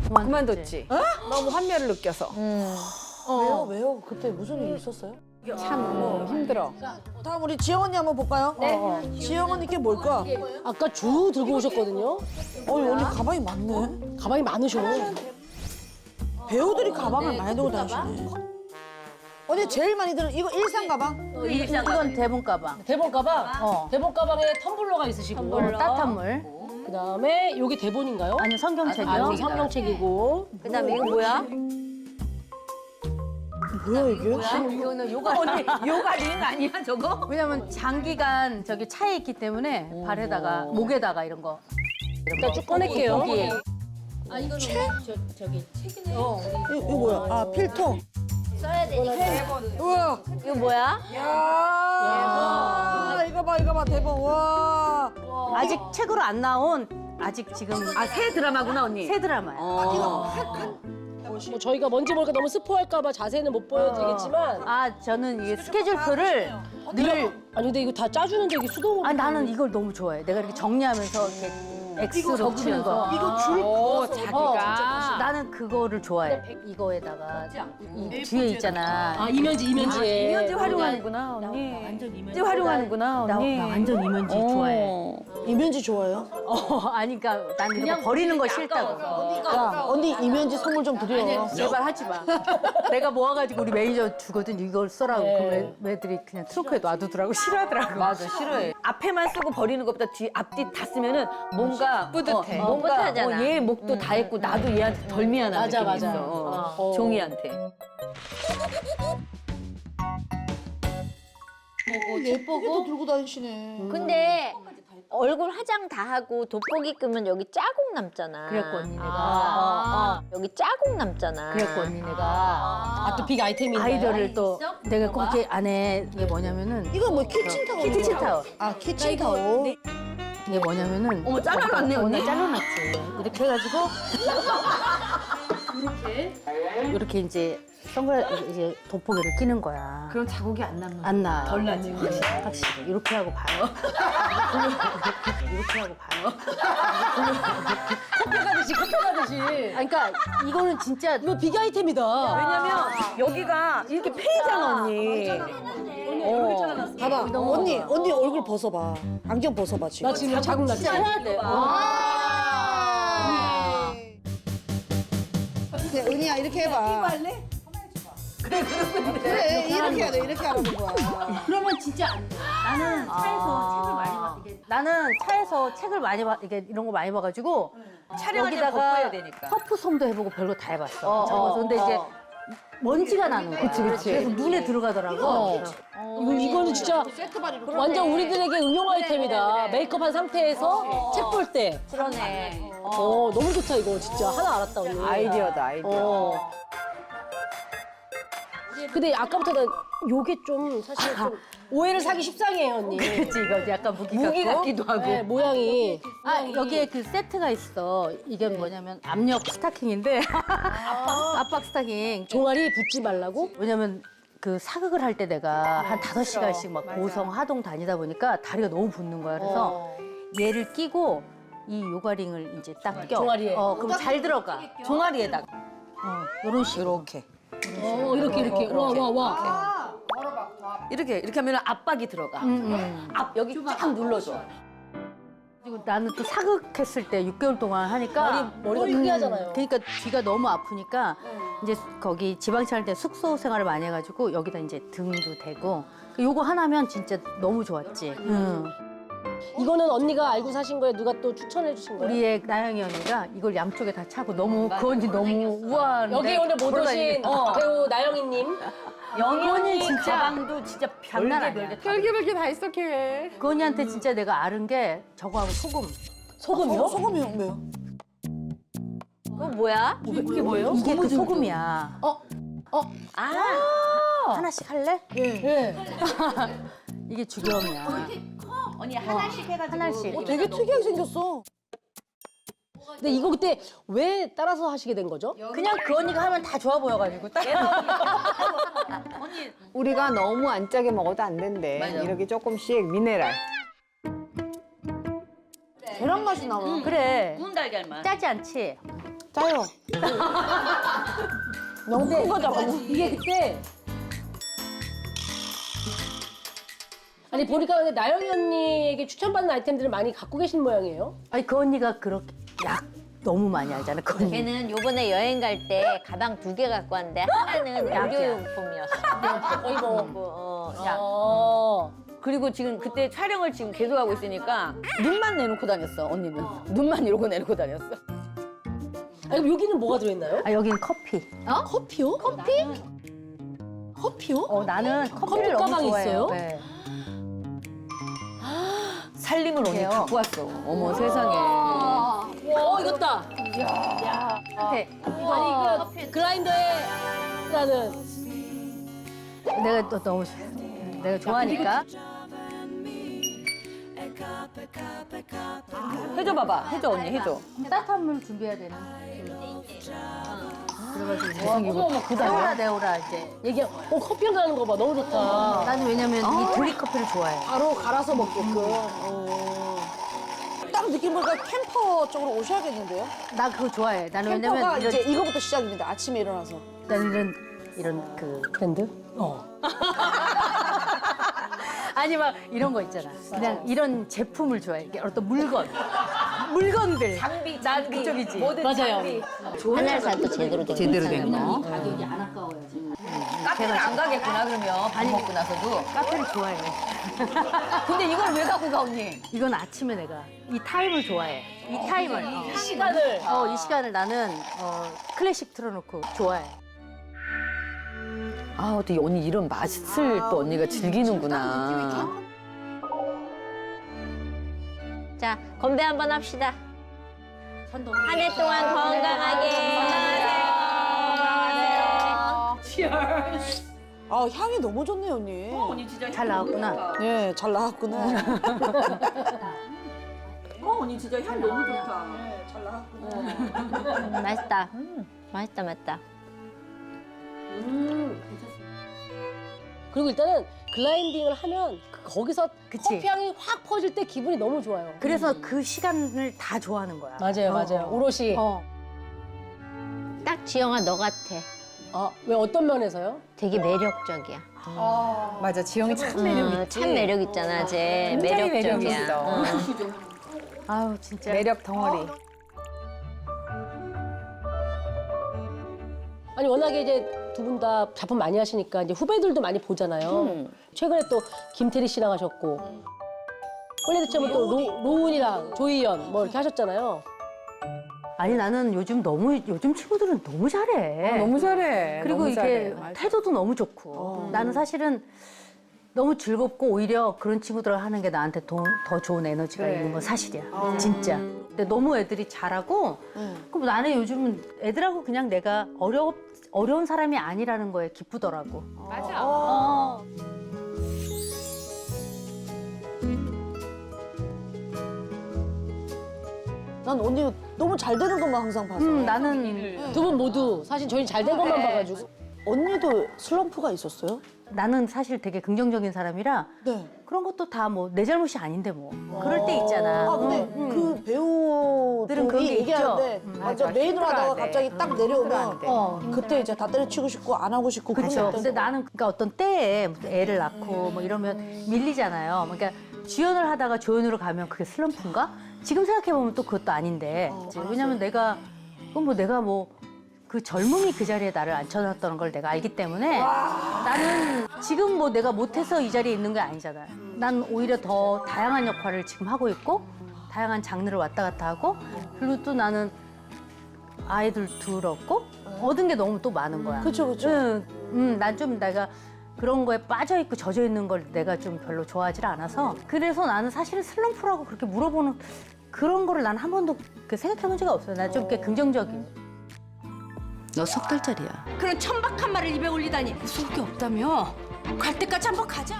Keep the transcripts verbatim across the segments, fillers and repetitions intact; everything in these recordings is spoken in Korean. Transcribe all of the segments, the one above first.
그만뒀지. 너무 환멸을 느껴서. 왜요? 왜요? 그때 무슨 일 있었어요? 참 어, 힘들어. 다음 우리 지영 언니 한번 볼까요? 네. 지영 언니 게 뭘까? 아까 주 들고 오셨거든요. 어, 이 언니 가방이 많네. 가방이 많으셔. 배우들이 가방을 많이 들고 다니시네. 언니 제일 많이 드는 이거 일상 가방? 이건 대본 가방. 대본 가방? 어. 대본 가방에 텀블러가 있으시고. 텀블러. 따뜻한 물. 그다음에 요게 대본인가요? 아니 성경책이요. 아니, 성경책이고. 그다음에 이거 뭐야? 뭐야 이게? 이거는 요가 언니 요가 링 아니야 저거? 왜냐면 장기간 저기 차에 있기 때문에 발에다가 목에다가 이런 거. 일단 쭉 꺼낼게요. 거기에. 이거, 이거 뭐야? 아 필터. 써야 되니까. 우와. 이거 뭐야? 야. 이거 봐 이거 봐 대박. 와. 아직 책으로 안 나온 아직 지금 아 새 드라마구나 언니. 새 드라마야. 뭐 저희가 뭔지 모르니까 너무 스포할까 봐 자세는 못 보여드리겠지만. 아 저는 이 스케줄표를 늘. 아니 근데 이거 다 짜주는데 이게 수동으로. 아 나는 이걸 너무 좋아해. 내가 이렇게 정리하면서 이렇게 X로 치는 거. 이거 줄. 오 자기가. 나는 그거를 좋아해. 이거에다가 이 뒤에 있잖아. 아 이면지 이면지에. 이면지 활용하는구나 언니. 완전 이면지 활용하는구나 나, 언니. 나 완전 이면지 좋아해. 이면지 좋아요? 어, 아니 그러니까 난 이런 거 버리는 거 싫다고. 야 언니 이면지 선물 좀 드려. 제발 하지 마. 내가 모아가지고 우리 매니저 주거든 이걸 써라고. 네. 그럼 애들이 그냥 트렁크에 놔두더라고. 싫어하더라고. 맞아 싫어해. 앞에만 쓰고 버리는 것보다 뒤 앞뒤 다 쓰면은 뭔가 뿌듯해. 어, 뭔가 뿌듯하잖아. 어, 얘 목도 다 했고 나도 얘한테 덜 미안한 맞아, 느낌이 맞아. 있어. 어, 어. 종이한테. 예쁘게 들고 다니시네. 근데 얼굴 화장 다 하고 돋보기 끄면 여기 자국 남잖아. 그랬고 언니 내가. 어, 어. 여기 자국 남잖아. 그랬고 언니 내가. 아또 빅 아이템인데. 아이디어를 또 내가 거기 안에 이게 뭐냐면은 이거 뭐 키친타올? 키친타올. 아 키친타올. 이게 뭐냐면은 어머 잘라놨네 어, 언니. 나 잘라놨지. 이렇게 해가지고 이렇게 이렇게 이제 선글라스 이제 돋보기를 끼는 거야. 그럼 자국이 안 남는. 안 나. 덜 나지. 확실히, 확실히 이렇게 하고 봐요. 이렇게 하고 봐요. 커피 가듯이 커피 가듯이. 아니, 그러니까 이거는 진짜 이거 빅 아이템이다. 왜냐면 여기가 이렇게 패이잖아 언니. 어. 봐봐 언니 언니 얼굴 벗어봐. 안경 벗어봐 지금. 나 지금 자국 났지. 해야 돼. 그래 은희야 이렇게 해봐. 그래 그래 이렇게 해야 돼 이렇게 하는 거야. 그러면 진짜 안 돼. 나는 차에서 책을 많이 봐. 이게 나는 차에서 책을 많이 봐. 이게 이런 거 많이 봐가지고 촬영할 때 여기다가 벗어야 되니까. 퍼프솜도 해보고 별거 다 해봤어. 어, 적어서 어, 근데 이제 어. 먼지가 나는 거야. 그치, 그치. 그래서 눈에 들어가더라고. 어. 이거 이거는 진짜 완전 우리들에게 응용 아이템이다. 메이크업한 상태에서 책 볼 때. 그러네. 어 너무 좋다 이거 진짜 하나 알았다 언니. 아이디어다 아이디어. 어. 근데 아까부터 난 요게 좀 사실 좀 오해를 사기 십상이에요 언니. 그치, 이거 약간 무기, 무기 같고. 같기도 하고. 네, 모양이. 아, 여기에 그 세트가 있어. 이게 뭐냐면 압력 스타킹인데. 압박 스타킹. 종아리 붙지 말라고? 왜냐면 그 사극을 할 때 내가 한 다섯 시간씩 막 고성, 하동 다니다 보니까 다리가 너무 붓는 거야. 그래서 얘를 끼고 이 요가링을 이제 딱 껴. 종아리에. 어, 그럼 잘 들어가. 종아리에다가. 어, 요런 식으로. 이렇게. 어 이렇게 이렇게 와 와 와. 이렇게 이렇게 하면 압박이 들어가. 음, 음. 압 여기 쫙 눌러줘. 그리고 나는 또 사극했을 때 육 개월 동안 하니까 머리, 머리가 크게 하잖아요. 그러니까 뒤가 너무 아프니까 이제 거기 지방치 할 때 숙소 생활을 많이 해가지고 여기다 이제 등도 대고 요거 하나면 진짜 너무 좋았지. 응. 이거는 언니가 알고 사신 거예요? 누가 또 추천해 주신 거예요? 우리의 나영이 언니가 이걸 양쪽에 다 차고 너무 그 언니 너무 우아한데 여기 오늘 못 오신 돌아다니니까. 어, 배우 나영희님. 영희 언니 언니 진짜 가방도 진짜 장난 아니야. 별개별개 다 있어 걔. 그 언니한테 진짜 내가 아는 게 저거하고 소금. 소금이요? 어, 소금이 왜요? 그거 뭐야? 이게 뭐예요? 이게 그 소금이야. 어? 어? 아, 하나씩 할래? 예. 이게 주겸이야. 언니 하나씩 해가지고. 하나씩. 어, 되게 특이하게 생겼어. 근데 이거 그때 왜 따라서 하시게 된 거죠? 그냥 그 언니가 하면 다 좋아 보여가지고 딱. 우리가 너무 안 짜게 먹어도 안 된대. 맞아. 이렇게 조금씩 미네랄. 계란 맛이 나와. 그래. 구운 달걀만. 짜지 않지? 짜요. 너무 큰 거다. 이게 그때 아니 보니까 근데 나영이 언니에게 추천받는 아이템들을 많이 갖고 계신 모양이에요. 아니 그 언니가 그렇게 약 너무 많이 알잖아. 그 언니. 걔는 요번에 여행 갈 때 가방 두 개 갖고 왔는데 하나는 의료용품이었어. 거의 뭐. 뭐, 어, 야. 어. 그리고 지금 그때 촬영을 지금 계속하고 있으니까 눈만 내놓고 다녔어, 언니는. 눈만 이러고 내놓고 다녔어. 아니 그럼 여기는 뭐가 들어있나요? 아 여기는 커피. 커피요? 커피? 커피요? 어 나는 커피를 커피 너무 가방이 좋아해요. 있어요? 네. 살림을 언니 그래요? 갖고 왔어. 어머 세상에. 어 이겼다. 네. 아니 그 그라인더에 라는 내가 또 너무 좋아- 내가 좋아하니까. 해줘 봐봐. 해줘 언니 해줘. 따뜻한 물 준비해야 되는. 그래가지고 이제 어머 어머 네오라 그다. 네오라 이제. 얘기 어 커피 가는 거 봐 너무 좋다. 나는 왜냐면 이 드립 커피를 좋아해. 바로 갈아서 먹게끔. 어. 딱 느낌 보니까 캠퍼 쪽으로 오셔야겠는데요? 나 그거 좋아해. 나는 캠퍼가 왜냐면 이런, 이제 이거부터 시작입니다. 아침에 일어나서. 나는 이런 이런 그 브랜드? 어. 아니 막 이런 거 있잖아. 그냥 이런 제품을 좋아해. 이게 어떤 물건, 물건들. 장비, 난 장비. 그쪽이지. 뭐든 맞아요. 장비. 하나를 사도 제대로 된 제대로 된 거. 가격이 안 아까워야지. 카페를 안 가겠구나 그러면 밥 먹고 나서도. 카페를 좋아해. 근데 이걸 왜 갖고 가 언니? 이건 아침에 내가 이 타임을 좋아해. 이 타임을. 어. 시간을. 어, 이 시간을 나는 어, 클래식 틀어놓고 좋아해. 아 어떻게 언니 이런 맛을 또 언니가 즐기는구나. 자, 건배 한번 합시다. 선동. 한 해 동안 건강하게. 건강하세요. 아, 향이 너무 좋네요, 언니. 언니 진짜 잘 나왔구나. 네, 잘 나왔구나. 어 언니 진짜 향 너무 좋다. 음, 맛있다. 맛있다, 맛있다. 음. 그리고 일단은 글라인딩을 하면 그- 거기서 그치. 커피 향이 확 퍼질 때 기분이 너무 좋아요. 그래서 그 시간을 다 좋아하는 거야. 맞아요, 맞아요. 오롯이. 어. 딱 지영아, 너 같아. 아, 왜 어떤 면에서요? 되게 매력적이야. 맞아, 지영이 참 매력 어, 있지. 참 매력 있잖아, 쟤. 굉장히 매력 매력적이야. 있어. 어. 아우 진짜. 매력 덩어리. 아니 워낙에 이제 두 분 다 작품 많이 하시니까 이제 후배들도 많이 보잖아요. 최근에 또 김태리 씨랑 하셨고 원래도 처음에 또 로, 로운이랑 조희연 뭐 이렇게 하셨잖아요. 아니 나는 요즘 너무 요즘 친구들은 너무 잘해. 어, 너무 잘해. 그리고 너무 이게 잘해. 맞아. 태도도 너무 좋고. 나는 사실은 너무 즐겁고 오히려 그런 친구들을 하는 게 나한테 더, 더 좋은 에너지가 그래. 있는 건 사실이야. 진짜. 근데 너무 애들이 잘하고 그럼 나는 요즘은 애들하고 그냥 내가 어려 어려운 사람이 아니라는 거에 기쁘더라고. 맞아. 어. 난 언니 너무 잘 되는 것만 항상 봐서. 음, 나는 두 분 모두 사실 저희는 잘 된 것만 봐가지고 언니도 슬럼프가 있었어요? 나는 사실 되게 긍정적인 사람이라 네. 그런 것도 다 뭐 내 잘못이 아닌데 뭐 그럴 때 있잖아. 아, 근데 음. 그 배우들은 그런 게 있죠. 얘기하는데 음, 맞아, 맞아. 메인으로 하다가 힘들어하대. 갑자기 딱 내려오면 어. 그때 이제 다 때려치고 싶고 안 하고 싶고 그런 게 그렇죠. 있던 근데 거. 나는 그러니까 어떤 때에 무슨 애를 낳고 뭐 이러면 밀리잖아요. 그러니까 주연을 하다가 조연으로 가면 그게 슬럼프인가? 지금 생각해 보면 또 그것도 아닌데. 왜냐면 내가 그건 뭐 내가 뭐 그 젊음이 그 자리에 나를 앉혀놨다는 걸 내가 알기 때문에 나는 지금 뭐 내가 못해서 이 자리에 있는 게 아니잖아요. 난 오히려 더 다양한 역할을 지금 하고 있고 다양한 장르를 왔다 갔다 하고 그리고 또 나는 아이들 둘 얻고 얻은 게 너무 또 많은 거야. 그쵸, 그쵸. 응, 음, 난 좀 내가 그런 거에 빠져 있고 젖어 있는 걸 내가 좀 별로 좋아하지 않아서 그래서 나는 사실은 슬럼프라고 그렇게 물어보는 그런 거를 난 한 번도 그 생각해 본 적이 없어요. 난 좀 꽤 긍정적인. 너 석 달짜리야. 그런 천박한 말을 입에 올리다니 속이 없다며? 갈 때까지 한번 가자.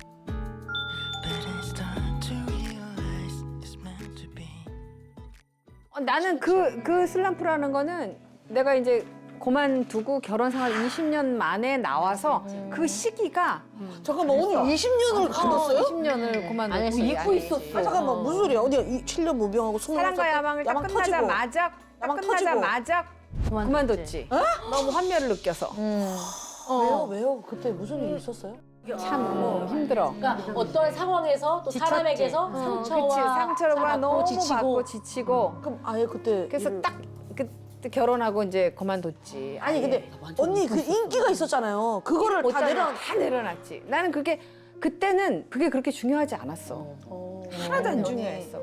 어, 나는 그, 그 슬럼프라는 거는 내가 이제 그만두고 결혼 생활 이십 년 만에 나와서 그 시기가 잠깐만, 언니 이십 년을 가뒀어요? 이십 년을 그만두고 안 했어, 잊고 안 있었어. 아, 잠깐만, 무슨 소리야? 언니가 이 칠 년 무병하고 스무 사랑과 야망을 딱 야망 터지고. 끝나자마자 딱 끝나자마자 그만뒀지. 너무 환멸을 느껴서. 왜요? 왜요? 그때 무슨 일 있었어요? 참 어, 힘들어. 그러니까 어떤 상황에서 또 지쳤지. 사람에게서 상처와 그치, 상처를 받고 너무 지치고 받고 지치고. 그럼 아예 그때 그래서 일을- 딱 그때 결혼하고 이제 그만뒀지. 아니 아예. 근데 언니 그 인기가 있었잖아요. 그거를 다 못 내려. 내려 다 내려놨지. 나는 그게 그때는 그게 그렇게 중요하지 않았어. 하나도 안 중요했어.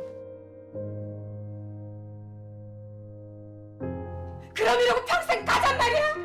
그럼 이러고 평생 가잔 말이야?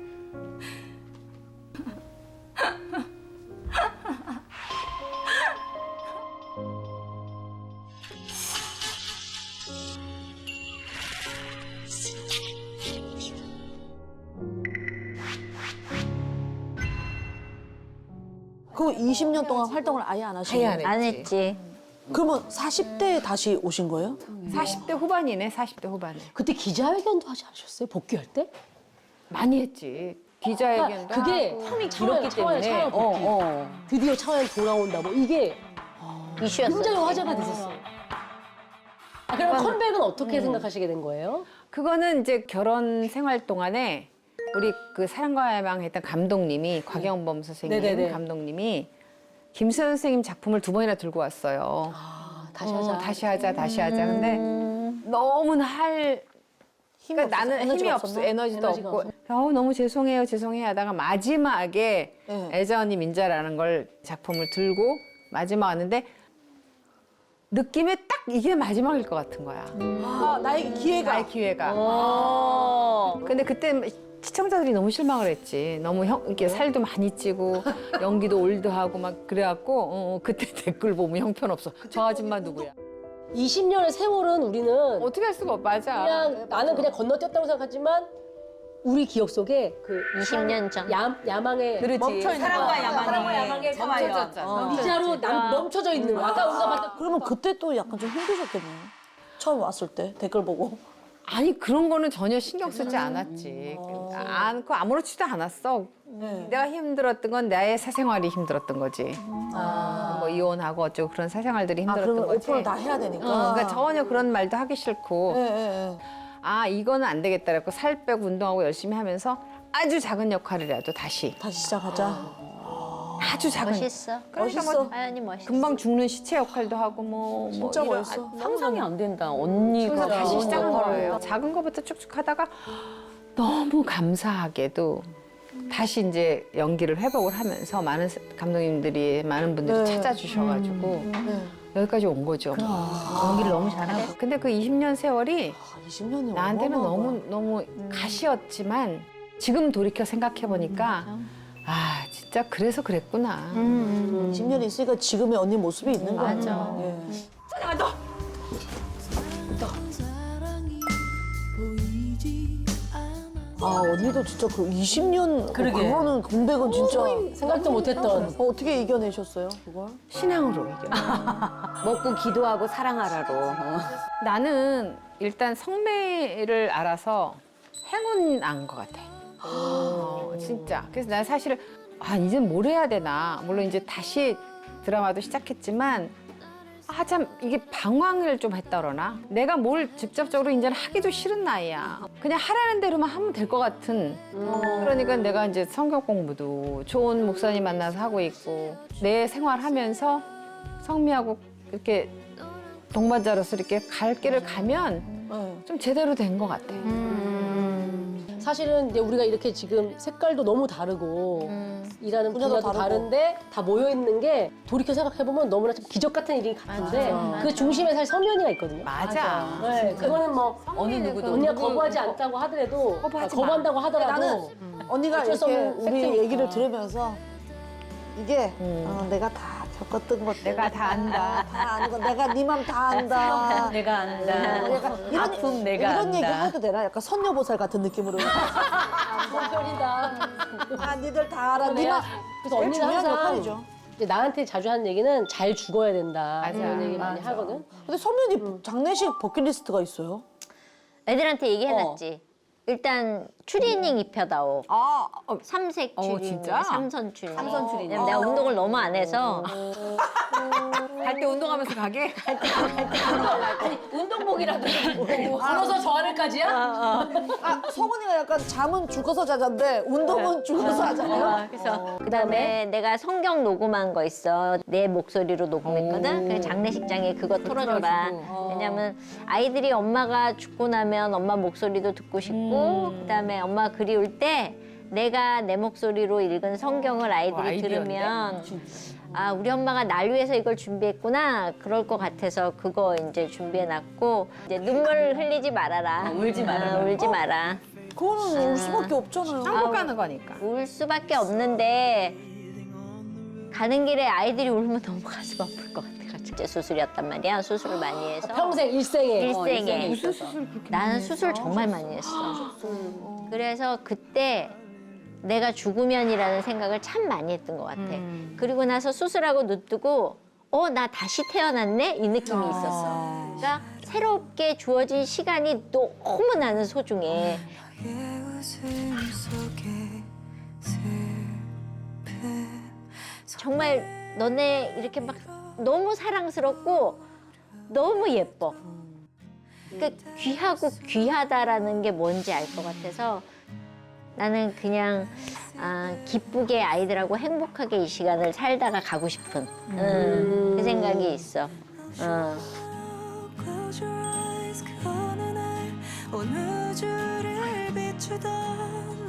그 이십 년 동안 활동을 아예 안 하신 아예 거예요? 안 안 했지. 그러면 사십 대에 다시 오신 거예요? 사십 대 후반이네, 사십 대 후반에. 그때 기자회견도 하지 않으셨어요? 복귀할 때? 많이 했지. 기자회견도 그러니까 그게 하고. 텀이 길었기 때문에 차원 복귀. 어, 어. 드디어 차원 돌아온다. 뭐 이게 이슈였어. 굉장히 화제가 됐었어요. 아, 그럼 컴백은 어떻게 생각하시게 된 거예요? 그거는 이제 결혼 생활 동안에 우리 그 사랑과 야망 했던 감독님이 곽영범 선생님 네네네. 감독님이 김수현 선생님 작품을 두 번이나 들고 왔어요. 아, 다시 어, 하자. 다시 하자, 다시 하자. 근데 너무나 할 힘이 그러니까 없었어요? 나는 힘이 에너지가 없어, 없었나? 에너지도 에너지가 없고, 어우 너무 죄송해요, 죄송해요 하다가 마지막에 네. 애자 언니 민자라는 걸 작품을 들고 마지막 왔는데 느낌에 딱 이게 마지막일 것 같은 거야. 아, 나에게 기회가. 나의 기회가. 어. 근데 그때 시청자들이 너무 실망을 했지. 너무 형, 이렇게 살도 많이 찌고 연기도 올드하고 막 그래갖고 어, 어, 그때 댓글 보면 형편없어. 저 아줌마 누구야? 이십 년의 세월은 우리는 어떻게 할 수가 없 맞아. 그냥 나는 그냥 건너뛰었다고 생각하지만 우리 기억 속에 그 이십 년 전. 야, 야망의 그렇지. 사랑과 야망이. 사랑과 야망의 멈춰졌잖아. 미자로 남, 멈춰져 있는 거. 아까 우리가 봤던 그러면 그때 또 약간 좀 힘드셨겠네요. 처음 왔을 때 댓글 보고. 아니 그런 거는 전혀 신경 쓰지 않았지. 않고 아무렇지도 않았어. 내가 힘들었던 건 나의 사생활이 힘들었던 거지. 뭐 이혼하고 어쩌고 그런 사생활들이 아, 힘들었던 그러면 거지. 오픈을 다 해야 되니까. 어, 그러니까 전혀 그런 말도 하기 싫고 예, 예, 예. 아 이거는 안 되겠다 그래서 살 빼고 운동하고 열심히 하면서 아주 작은 역할이라도 다시 다시 시작하자. 아주 작은 멋있어. 그러니까 멋있어. 뭐 하연이 멋있어. 금방 죽는 시체 역할도 하고 뭐, 뭐 진짜 이런- 멋있어. 상상이 안 된다. 언니가. 그래서 다시 시작한 어. 거예요. 작은 거부터 쭉쭉 하다가 너무 감사하게도 다시 이제 연기를 회복을 하면서 많은 감독님들이 많은 분들이 네. 찾아주셔가지고 네. 여기까지 온 거죠. 연기를 너무 잘하고. 근데 그 이십 년 세월이 아, 이십 년이 나한테는 너무 너무 가시였지만 지금 돌이켜 생각해 보니까 아 진짜 그래서 그랬구나. 이십 년이 있으니까 지금의 언니 모습이 있는 거예요. 맞아. 예. 아 언니도 진짜 그 이십 년 그러게. 그거는 공백은 진짜 생각도 못했던 어, 어떻게 이겨내셨어요 그걸? 신앙으로 이겨. 먹고 기도하고 사랑하라로. 어. 나는 일단 성매를 알아서 행운한 것 같아. 어, 진짜. 그래서 난 사실은 아 이제 뭘 해야 되나. 물론 이제 다시 드라마도 시작했지만 아 참 이게 방황을 좀 했다 그러나 내가 뭘 직접적으로 이제는 하기도 싫은 나이야. 그냥 하라는 대로만 하면 될 것 같은. 그러니까 내가 이제 성경 공부도 좋은 목사님 만나서 하고 있고 내 생활하면서 성미하고 이렇게 동반자로서 이렇게 갈 길을 가면 네. 좀 제대로 된 것 같아. 사실은 이제 우리가 이렇게 지금 색깔도 너무 다르고 일하는 분야도 분야도 다르고. 다른데 다 모여 있는 게 돌이켜 생각해 보면 너무나 좀 기적 같은 일이 같은데 그 중심에 사실 성면이가 있거든요. 맞아. 네, 그거는 뭐 어느 누구도. 언니가 거부하지 않다고 하더라도 거부하지 거부한다고 하더라도 나는 언니가 어쩔 수 이렇게 없는 우리 팩트니까. 얘기를 들으면서 이게 음. 어, 내가 다 겪었던 것 내가 다 안다. 다 아는 거 내가 네 맘 다 안다. 내가 안다. 약간 이런, 아픔 내가 이런 안다. 얘기 해도 되나? 약간 선녀보살 같은 느낌으로. 그런 편이다. 아, 니들 다 알아. 네 내가 맘. 그래서 제일 언니는 중요한 항상 역할이죠. 이제 나한테 자주 하는 얘기는 잘 죽어야 된다. 맞아. 이런 얘기 많이 맞아. 하거든. 근데 선면이 장례식 버킷리스트가 있어요. 애들한테 얘기해놨지. 일단 추리닝 입혀다오. 아, 어, 삼색 어, 추리닝, 진짜? 삼선 추리닝. 삼선 추리닝. 왜냐면 내가 운동을 너무 안 해서 갈 때 운동하면서 가게? 운동복이라도 걸어서 저 하늘까지야? 아, 성훈이가 약간 잠은 죽어서 자잔데 운동은 죽어서 하잖아요. 그래서 그다음에 내가 성경 녹음한 거 있어. 내 목소리로 녹음했거든. 그 장례식장에 그거 틀어줘라. 왜냐면 아이들이 엄마가 죽고 나면 엄마 목소리도 듣고 싶고 그다음에 엄마 그리울 때 내가 내 목소리로 읽은 성경을 아이들이 와, 아이디어인데? 들으면 아 우리 엄마가 날 위해서 이걸 준비했구나 그럴 것 같아서 그거 이제 준비해놨고 이제 눈물 흘리지 말아라. 울지 말아라. 아, 울지 마라. 그거는 울 수밖에 없잖아요. 한국 가는 거니까. 울 수밖에 없는데 가는 길에 아이들이 울면 너무 가슴 아플 것 같아가지고 이제 수술이었단 말이야. 수술을 많이 해서 평생 일생에. 일생에 무슨 수술 그렇게 나는 수술 정말 많이 했어. 그래서 그때 내가 죽으면이라는 생각을 참 많이 했던 것 같아. 그리고 나서 수술하고 눈 뜨고 어, 나 다시 태어났네? 이 느낌이 있었어. 그러니까 새롭게 주어진 시간이 너무 나는 소중해. 정말 너네 이렇게 막 너무 사랑스럽고 너무 예뻐. 그러니까 귀하고 귀하다라는 게 뭔지 알 것 같아서 나는 그냥 아, 기쁘게 아이들하고 행복하게 이 시간을 살다가 가고 싶은 음, 그 생각이 있어. 어. Close your eyes 그 어느 날 온 우주를 비추던